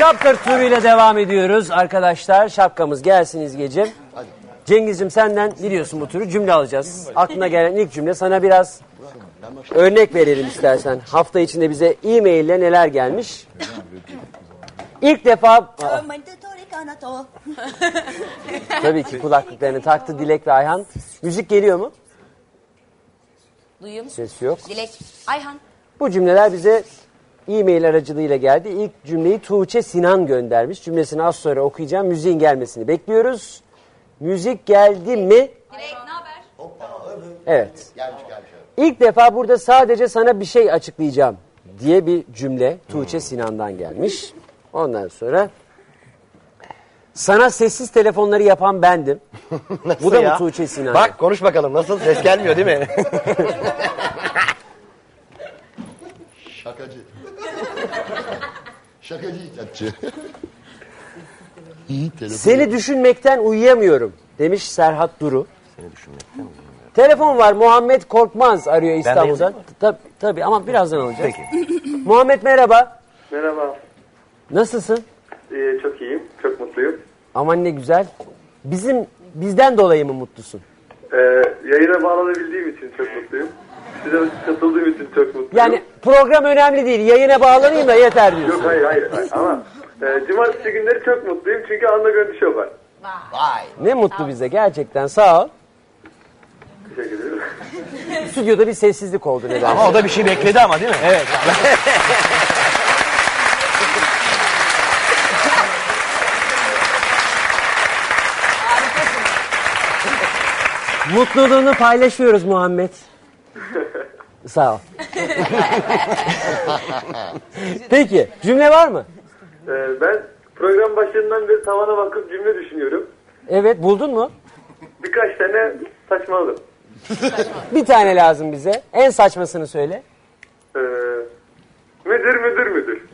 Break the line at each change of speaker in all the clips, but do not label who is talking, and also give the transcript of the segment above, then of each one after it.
Şapka turuyla devam ediyoruz arkadaşlar. Şapkamız gelsin İzgeciğim. Cengiz'cim senden biliyorsun bu turu cümle alacağız. Aklına gelen ilk cümle, sana biraz örnek verelim istersen. Hafta içinde bize e-mail ile neler gelmiş. İlk defa... Tabii ki kulaklıklarını taktı Dilek ve Ayhan. Müzik geliyor mu?
Duyuyor musun?
Ses yok.
Dilek, Ayhan.
Bu cümleler bize e-mail aracılığıyla geldi. İlk cümleyi Tuğçe Sinan göndermiş. Cümlesini az sonra okuyacağım. Müziğin gelmesini bekliyoruz. Müzik geldi mi?
Dilek, ne haber?
Evet. İlk defa burada sadece sana bir şey açıklayacağım diye bir cümle Tuğçe Sinan'dan gelmiş. Ondan sonra sana sessiz telefonları yapan bendim. Bu da
ya?
mı Tuğçe Sinan?
Bak konuş bakalım, nasıl? Ses gelmiyor değil mi?
Şakacı. Şakacı icatçı.
Seni düşünmekten uyuyamıyorum demiş Serhat Duru.
Seni düşünmekten uyuyamıyorum.
Telefon var, Muhammed Korkmaz arıyor İstanbul'dan. Tabii ama birazdan alacağız.
Peki.
Muhammed merhaba.
Merhaba.
Nasılsın?
Çok iyiyim. Çok mutluyum.
Aman ne güzel. Bizden dolayı mı mutlusun?
Yayına bağlanabildiğim için çok mutluyum. Size katıldığım için çok mutluyum.
Yani program önemli değil. Yayına bağlanayım da yeter diyorsun.
Yok hayır. Ama cumartesi günleri çok mutluyum. Çünkü Anla Gönlü Show var.
Vay.
Ne mutlu bize gerçekten, sağ ol.
Teşekkür ederim.
Stüdyoda bir sessizlik oldu nedense.
Ama o da bir şey bekledi ama değil mi?
Evet. Mutluluğunu paylaşıyoruz Muhammed. Sağ ol. Peki, cümle var mı?
Ben program başlarından beri tavana bakıp cümle düşünüyorum.
Evet, buldun mu?
Birkaç tane saçmaladım.
Bir tane lazım bize. En saçmasını söyle.
Müdür.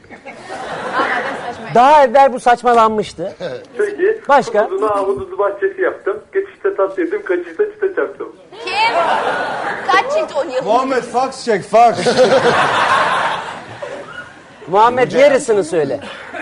Daha evvel bu saçmalanmıştı.
Peki.
Başka?
Ahududu bahçesi yaptım. Geçişte tat yedim, kaçışta çıta çarptım.
Kim? Kaç çift oynuyorsun?
Muhammed fax çek fax.
Muhammed yarısını söyle.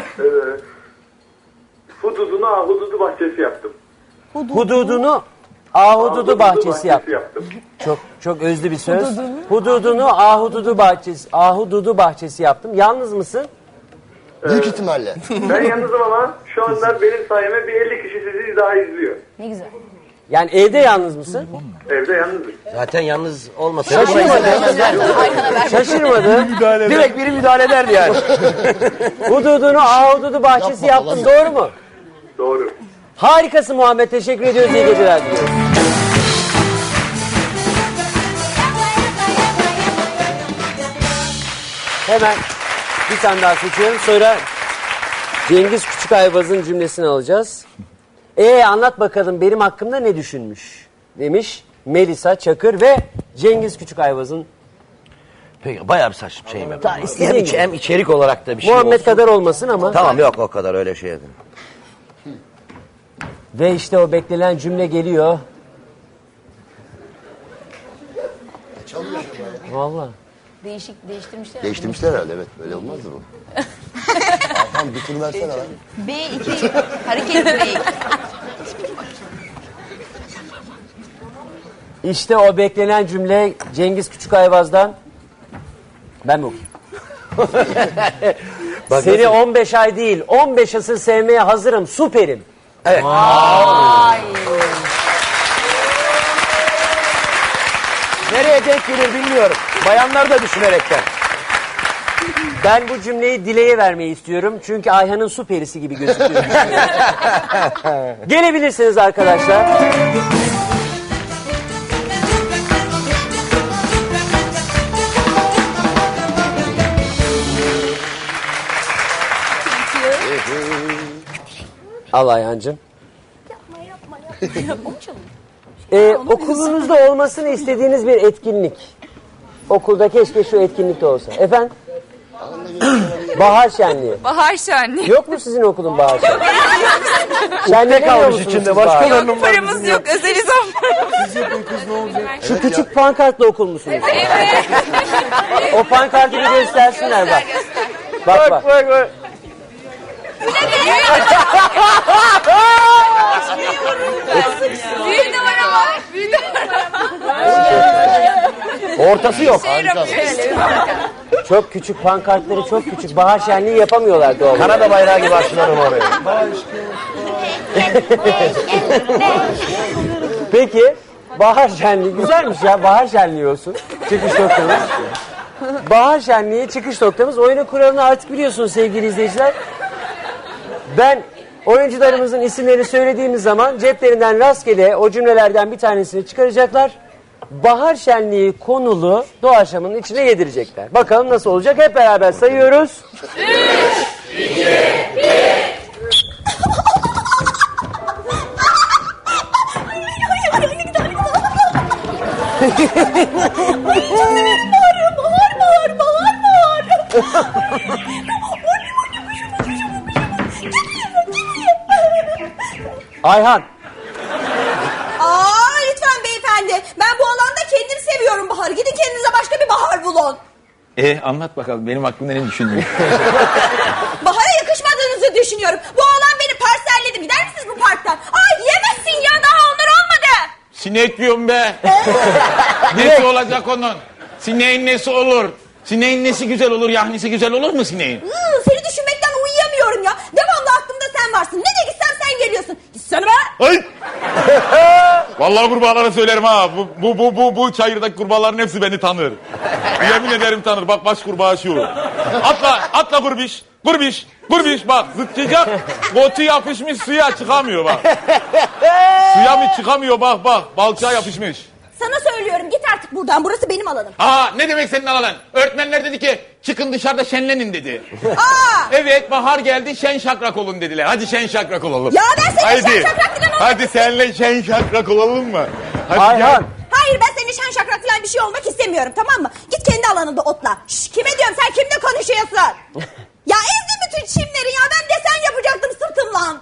Hududunu ahududu bahçesi yaptım.
Hududunu ahududu bahçesi yap. Çok özlü bir söz. Hududunu ahududu bahçesi yaptım. Yalnız mısın?
Büyük ihtimalle.
Ben yalnızım ama şu anda benim sayeme bir 50 kişi sizi daha izliyor.
Ne güzel.
Yani evde yalnız mısın?
Evde yalnızım.
Zaten yalnız olmasaydı
Şaşırmadı.
direkt biri müdahale ederdi yani.
Hududunu ahududu bahçesi yaptım. Doğru mu?
Doğru.
Harikasın Muhammed. Teşekkür ediyoruz. İyi geceler diliyoruz. Hemen bir tane daha seçiyorum. Sonra Cengiz Küçükayvaz'ın cümlesini alacağız. Anlat bakalım benim hakkımda ne düşünmüş demiş Melisa Çakır ve Cengiz Küçükayvaz'ın.
Peki bayağı bir saçma şeyim yaptım.
istediğin gibi.
Hem içerik olarak da bir şey
Muhammed
olsun.
kadar olmasın ama.
Tamam yok o kadar öyle şey edin.
Ve işte o beklenen cümle geliyor.
Çalıyor acaba ya.
Vallahi.
Değiştirmişler.
Değiştirmişler herhalde, evet. Böyle olmazdı bu. Tamam bir tur versene lan.
B2 hareket B2.
İşte o beklenen cümle Cengiz Küçükayvaz'dan. Ben mi okuyayım? Seni 15 ay değil 15 asır sevmeye hazırım, süperim.
Evet. Nereye denk gelir bilmiyorum. Bayanlar da düşünerekten.
Ben bu cümleyi Dile'ye vermeyi istiyorum. Çünkü Ayhan'ın su perisi gibi gözüküyor. Gelebilirsiniz arkadaşlar. Al Ayhan'cığım. Okulunuzda olmasını istediğiniz bir etkinlik. Okulda keşke şu etkinlik de olsa. Efendim? Bahar şenliği.
Bahar şenliği.
Yok mu sizin okulun bahar şenliği? Şenliğe
kalmış içinde, başkalarının var.
Paramız yok. Özeliz ama.
Şu küçük pankartla okul musunuz? O pankartı bir göstersinler bak. Bak.
Büyük numara var. Büyük numara var.
Ortası yok.
Çok küçük pankartları çok küçük. Bahar şenliği yapamıyorlar doğal olarak.
Kanada bayrağı gibi açılalım oraya.
Peki bahar şenliği güzelmiş ya. Bahar şenliği olsun. Çıkış noktamız. Bahar şenliği çıkış noktamız. Oyunun kuralını artık biliyorsunuz sevgili izleyiciler. Ben oyuncularımızın isimlerini söylediğimiz zaman ceplerinden rastgele o cümlelerden bir tanesini çıkaracaklar. Bahar şenliği konulu doğaçlamanın içine yedirecekler. Bakalım nasıl olacak? Hep beraber sayıyoruz. 3, 2, 1. Ayhan.
Lütfen beyefendi. Ben bu alanda kendim seviyorum Bahar'ı. Gidin kendinize başka bir Bahar bulun.
Anlat bakalım benim aklımda ne düşünüyor?
Bahar'a yakışmadığınızı düşünüyorum. Bu alan beni parselledi. Gider misiniz bu parktan? Yemezsin ya, daha onlar olmadı.
Sinek diyorum be. Nesi olacak onun? Sineğin nesi olur? Sineğin nesi güzel olur, yahnisi güzel olur mu sineğin?
Seni düşünmekten uyuyamıyorum ya. Devamlı aklımda sen varsın. Nereye gitsem sen geliyorsun. Gitsene be.
Ay! Vallahi kurbağalara söylerim ha. Bu çayırdaki kurbağaların hepsi beni tanır. Yemin ederim tanır. Bak baş kurbağa şu. Atla kurbiş. Kurbiş bak zıplayacak. Botu yapışmış suya çıkamıyor bak. Suya mı çıkamıyor bak. Balçağa yapışmış.
Sana söylüyorum, git artık buradan. Burası benim alanım.
Ne demek senin alan? Öğretmenler dedi ki çıkın dışarıda şenlenin dedi.
Aa!
Evet bahar geldi şen şakrak olun dediler. Hadi şen şakrak olalım.
Ya ben senin şen şakrak falan olmak
Hadi senle şen şakrak olalım mı? Hadi
Ayhan.
Hayır, ben senin şen şakrak falan bir şey olmak istemiyorum, tamam mı? Git kendi alanında otla. Kime diyorum, sen kimle konuşuyorsun? Ya ezdim bütün çimleri ya, ben desen yapacaktım sırtımla.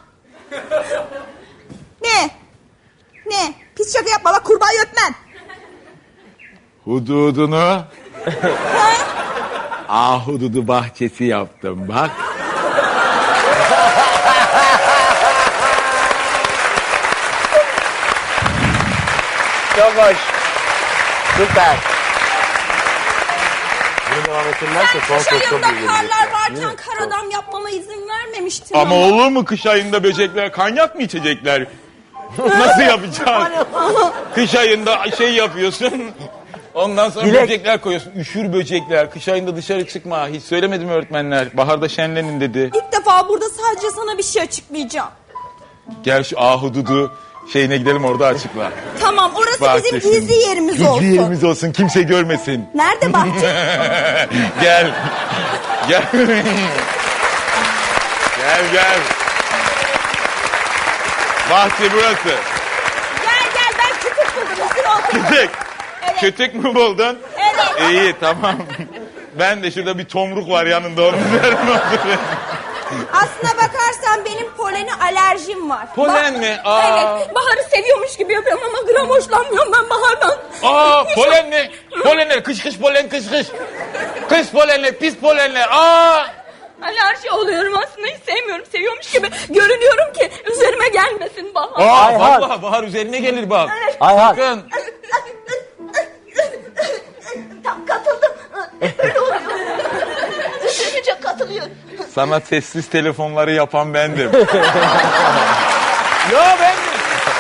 Ne? Pis şaka yapma bak, kurbağayı öpmem.
Hududunu ahududu bahçesi yaptım bak.
Çok hoş. Süper. Bunu devam ettirmezse son
Kış
söz çok
ayında
iyi gelecek.
karlar varken kar adam yapmama izin vermemiştin
Ama olur mu kış ayında böcekler kanyak mı içecekler? Nasıl yapacağız? Kış ayında şey yapıyorsun. Ondan sonra
Dilek.
böcekler koyuyorsun. Üşür böcekler. Kış ayında dışarı çıkma. Hiç söylemedim öğretmenler. Baharda şenlenin dedi.
İlk defa burada sadece sana bir şey açıklayacağım.
Gel şu ahududu şeyine gidelim orada açıkla.
Tamam, orası
Bahçesi.
bizim gizli yerimiz olsun.
Gizli yerimiz olsun. Kimse görmesin.
Nerede bahçe?
Gel. Gel. Gel. Bahçe burası.
Gel ben kütük buldum. Üstüne otur.
Kütük.
Evet.
Kütük mü buldun?
Evet.
İyi tamam. Ben de şurada bir tomruk var yanında onun üzerine oturuyorum.
Aslına bakarsan benim polene alerjim var.
Polen mi? Aa.
Evet. Baharı seviyormuş gibi yapıyorum ama gram hoşlanmıyorum ben bahardan.
Polen ne? Polenler kış polen kış. Kış polenler pis polenler.
Alerji oluyorum aslında, hiç sevmiyorum. Seviyormuş gibi görünüyorum ki üzerime gelmesin bahar.
Ayhan.
Vallahi bahar üzerine gelir bak.
Ayhan.
Sakın.
Tam katıldım. Öyle oluyor. Üzülünce katılıyorum.
Sana sessiz telefonları yapan bendim. Ya bendim.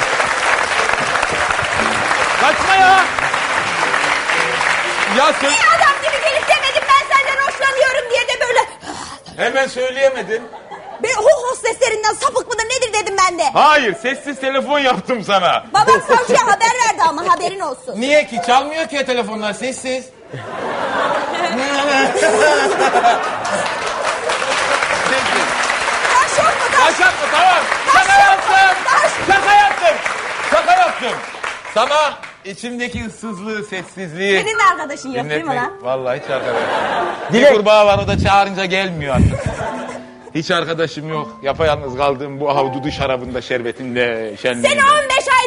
Kaçma ya. Ya sen
Adam gibi gelip demedim ben senden hoşlanıyorum diye de böyle.
hemen söyleyemedin.
Hosteslerinden sapık mıdır nedir dedim ben de.
Hayır sessiz telefon yaptım sana.
Babam savcıya haber verdi ama haberin olsun.
Niye ki? Çalmıyor ki telefonlar sessiz.
Taş yok mu taş?
Taş atma tamam. Şaka yaptım. Sana içimdeki ıssızlığı, sessizliği.
Senin de arkadaşın yok değil mi lan?
Vallahi hiç arkadaşım.
Dilek.
Bir kurbağa var o da çağırınca gelmiyor artık. Hiç arkadaşım yok. Yapayalnız kaldım bu ahududu şarabında, şerbetinde, şenliğinde.
Seni 15